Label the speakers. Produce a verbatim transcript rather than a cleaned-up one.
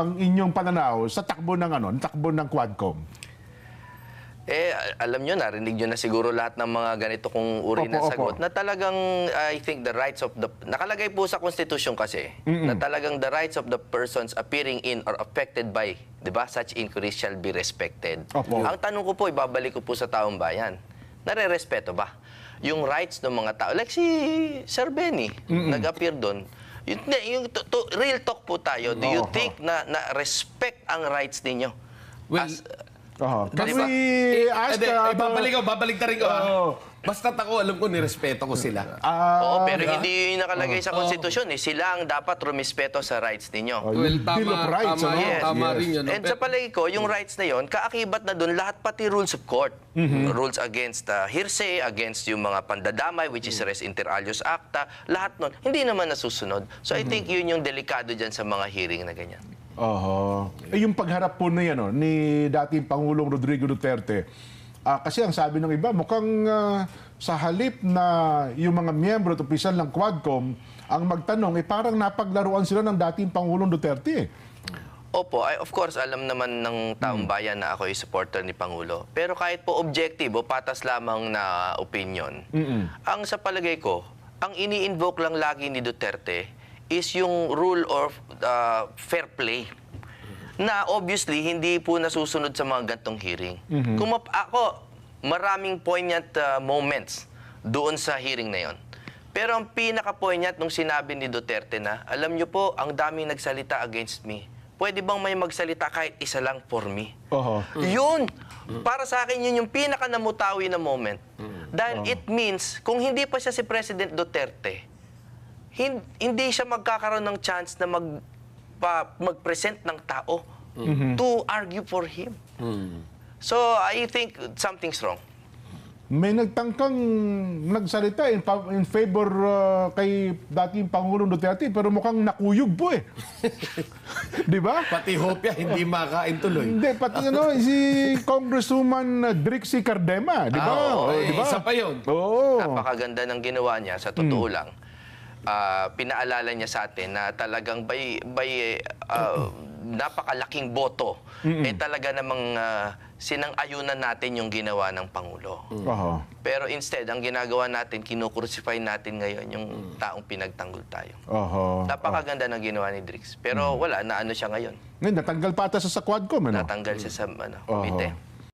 Speaker 1: ang inyong pananaw sa takbo ng ano, takbo ng Quadcom?
Speaker 2: Eh, alam nyo, narinig nyo na siguro lahat ng mga ganito kong uri
Speaker 1: Opo,
Speaker 2: ng
Speaker 1: opo.
Speaker 2: sagot na talagang, I think, the rights of the... Nakalagay po sa Constitution kasi na talagang the rights of the persons appearing in or affected by, di ba, such inquiries shall be respected.
Speaker 1: Opo.
Speaker 2: Ang tanong ko po, ibabalik ko po sa taong bayan, nare-respeto ba yung rights ng mga tao? Like si Sir Benny, nag-appear doon. Yung, yung to, to, real talk po tayo, do you
Speaker 1: Oho.
Speaker 2: think na, na respect ang rights ninyo?
Speaker 3: Well,
Speaker 2: As-
Speaker 1: Uh,
Speaker 2: Can
Speaker 1: Can
Speaker 2: we
Speaker 1: we ask...
Speaker 3: Hindi,
Speaker 1: uh,
Speaker 3: eh, babalik ko, babalik na rin ko. ah.
Speaker 1: Oo.
Speaker 3: Basta't ako, alam ko, nirespeto ko sila.
Speaker 1: ah,
Speaker 2: Oo, pero
Speaker 3: diba?
Speaker 2: hindi yung nakalagay sa konstitusyon. Eh. Sila ang dapat rumispeto sa rights ninyo.
Speaker 1: Oh,
Speaker 3: Well,
Speaker 1: yung
Speaker 3: tama,
Speaker 1: Bill of Rights,
Speaker 3: tama,
Speaker 1: ano?
Speaker 2: Yes.
Speaker 3: tama
Speaker 1: Yes.
Speaker 3: rin yun. no?
Speaker 2: And sa
Speaker 3: Pero-
Speaker 2: palagi ko, yung rights na yon, kaakibat na doon lahat pati rules of court. Rules against uh, hearsay, against yung mga pandadamay, which is res inter alios acta, lahat nun, hindi naman nasusunod. So I think yun yung delikado dyan sa mga hearing na ganyan.
Speaker 1: Oho. Eh, yung pagharap po na yan, oh, ni dating Pangulong Rodrigo Duterte, ah, kasi ang sabi ng iba, mukhang ah, sa halip na yung mga miyembro at opisyal ng Quadcom ang magtanong, eh parang napaglaruan sila ng dating Pangulong Duterte.
Speaker 2: Opo, ay, of course, alam naman ng taong bayan na ako ay supporter ni Pangulo. Pero kahit po objektibo, patas lamang na opinion, ang sa palagay ko, ang ini-invoke lang lagi ni Duterte is yung rule of uh, fair play na obviously hindi po nasusunod sa mga gantong hearing. Kung map- ako, maraming poignant uh, moments doon sa hearing na yon. Pero ang pinaka-poignant nung sinabi ni Duterte na, alam niyo po, ang daming nagsalita against me. Pwede bang may magsalita kahit isa lang for me?
Speaker 1: Oho.
Speaker 2: Yun! Para sa akin, yun yung pinaka-namutawi na moment. Dahil it means, kung hindi pa siya si President Duterte, hin- hindi siya magkakaroon ng chance na mag, pa, mag-present ng tao to argue for him. So, I think something's wrong.
Speaker 1: May nagtangkang nagsalita in, pa- in favor ah, kay dating Pangulong Duterte, pero mukhang nakuyog po eh. Di ba?
Speaker 3: Pati hopya, hindi makain tuloy.
Speaker 1: Hindi, pati ano, si Congresswoman Drixie Cardema, di ba?
Speaker 3: Ah, oo,
Speaker 1: Oh,
Speaker 3: eh,
Speaker 1: di ba?
Speaker 3: isa pa yun.
Speaker 1: Oo.
Speaker 2: Napakaganda ng ginawa niya, sa totoo lang. Ah, pinaalala niya sa atin na talagang by, by ah, napakalaking boto, eh talaga namang ah, sinang-ayunan natin yung ginawa ng Pangulo.
Speaker 1: Oho.
Speaker 2: Pero instead, ang ginagawa natin, kinukrucify natin ngayon yung taong pinagtanggol tayo.
Speaker 1: Oho.
Speaker 2: Napakaganda ng ginawa ni Drix. Pero wala, na ano siya ngayon.
Speaker 1: Ngayon, natanggal pa ata sa sa Quadcom, ano?
Speaker 2: Natanggal siya sa ano,
Speaker 1: Oho.
Speaker 2: komite.